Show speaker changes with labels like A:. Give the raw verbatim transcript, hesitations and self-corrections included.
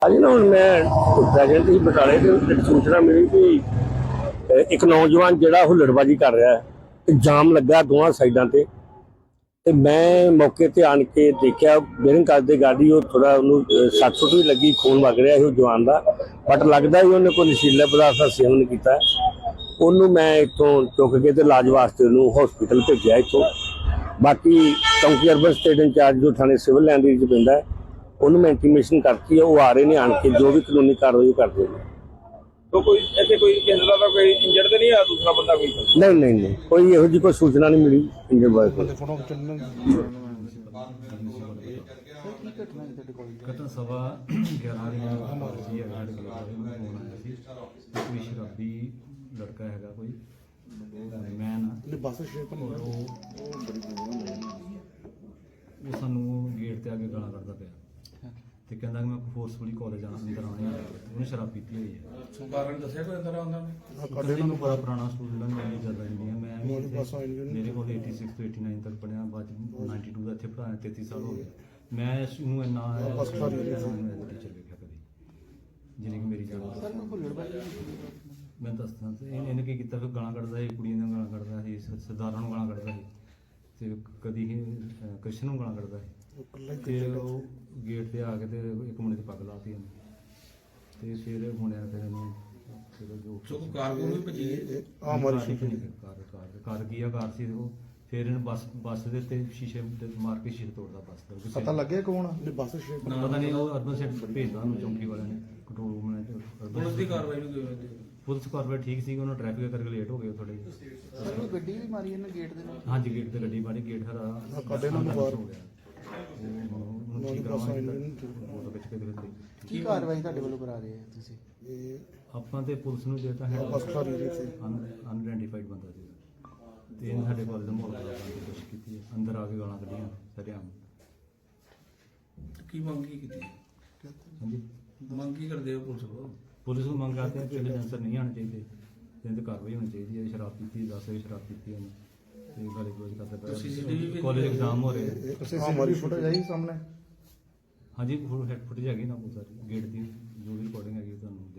A: अज ना हम मैं प्रेजेंट ही बटाले तो सूचना मिली कि एक नौजवान जोड़ा हुल्लड़बाजी कर रहा है, जाम लगा दोवां साइडों से। तो मैं मौके पर आन के देखा बेरिंग करते गाड़ी वो थोड़ा उन्होंने सट सुट भी लगी, खून वग रहा है जवान का, बट लगता ही उन्हें कोई नशीला पदार्थ का सेवन किया। उन्होंने मैं इतों चुक के तो इलाज वास्ते उन्होंने हॉस्पिटल भेजा इतों। बाकी चौंकी अर्बन स्टेट इंचार्ज जो थाने सिविल लाइन के पैंदा है उन्होंने मैं इंटीमेशन करती है, वो आ रहे हैं आन के जो भी कानूनी कार्रवाई करते हैं।
B: तो कोई ऐसे कोई किसी का कोई इंजर्ड तो नहीं है दूसरा बंदा कोई?
A: नहीं नहीं नहीं कोई यहो जी कोई सूचना नहीं मिली इंजर्ड बॉय को।
C: घटना सवा ग्यारह कोई शराबी लड़का है कोई मैन वो सानू गेट ते आके गाला कढ़दा पिया ते कहंदा कि मैं फोर्सफुली कॉलेज अंदर आने उन्हें शराब पीती हुई है।
B: कारण दस्या कोई अंदर आंदा ने
C: कड़े नूं बड़ा पुराना स्टूडेंट मेरी ज़्यादा इंडिया मैं मेरे को एटी सिक्स तो एटी नाइन तक पढ़िया बाद नाइनटी टू का इत्थे पढ़ाया तैंतीस साल हो गए। मैं इसनूं इन्ना टीचर वेखिया कदी जिन्नी कि मेरी जान मैं दसदा इन्हें की किया फिर गालां कढ़दा सी, कुड़ियां नूं गालां कढ़दा सी, सरदारां नूं गालां कढ़दा सी ते कदी कृष्ण नूं गालां कढ़दा सी। फिर गेट ते आके ते एक मुंडे दी पग लाती ते फिर मुंडिया फिर फिर जो
B: कार को भी भजी
C: आ मारी कार कार कार की कार सी वो फिर इन्हें बस बस दे ते शीशे मार के शीशे तोड़दा बस दा।
D: पता लगे कौन है बस
C: पता नहीं वो अर्बन सेट भेजदा चौंकी वाले ने कंट्रोल रूम ने
B: पुलिस की कार्रवाई नहीं हुई।
C: पुलिस कार्रवाई ठीक सी उन्होंने ट्रैफिक करके लेट हो गए थोड़े।
D: सर गड्डी भी मारी इन्हें गेट दे नाल?
C: हाँ जी गेट ते गड्डी मारी गेट हरा
D: कड़े नाल बाहर
C: हो गया ठीक फोटो खिच के दिखाई।
D: ਕੀ ਕਾਰਵਾਈ ਤੁਹਾਡੇ ਵੱਲੋਂ ਕਰਾ ਰਹੇ ਹੋ ਤੁਸੀਂ?
C: ਆਪਾਂ ਤੇ ਪੁਲਿਸ ਨੂੰ ਦੇਤਾ ਹੈ ਅਨਆਇਡੈਂਟੀਫਾਈਡ ਬੰਦਾ ਸੀ ਤੇ ਇਹਨੇ ਸਾਡੇ ਕੋਲ ਦਾ ਮਾਹੌਲ ਖਰਾਬ ਕਰਨ ਦੀ ਕੋਸ਼ਿਸ਼ ਕੀਤੀ ਹੈ, ਅੰਦਰ ਆ ਕੇ ਗਾਲਾਂ ਕੱਢੀਆਂ ਸਰਿਆਮ।
B: ਕੀ ਮੰਗ ਕੀ ਕੀਤੀ?
C: ਹਾਂਜੀ
B: ਮੰਗ ਕੀ ਕਰਦੇ ਹੋ ਪੁਲਿਸ ਕੋਲ?
C: ਪੁਲਿਸ ਨੂੰ ਮੰਗ ਕਰਦੇ ਆ ਕਿ ਇਹਦੇ ਅਨਸਰ ਨਹੀਂ ਆਉਣੇ ਚਾਹੀਦੇ, ਇਹਦੇ ਤੇ ਕਾਰਵਾਈ ਹੋਣੀ ਚਾਹੀਦੀ ਹੈ। ਸ਼ਰਾਬ ਪੀਤੀ ਦਸ ਵਜੇ ਸ਼ਰਾਬ ਪੀਤੀ ਉਹਨੇ ਤੇ ਗਾਲੀ ਗਲੋਚ ਕਰਦਾ ਪਿਆ। ਕਾਲਜ ਐਗਜ਼ਾਮ ਹੋ ਰਹੇ
D: ਹਮਾਰੀ ਫੋਟੋ ਆਈ ਸਾਹਮਣੇ?
C: हाँ जी फुटेज हैगी ना बहुत सारी गेट की जो भी रिकॉर्डिंग हैगी ਤੁਹਾਨੂੰ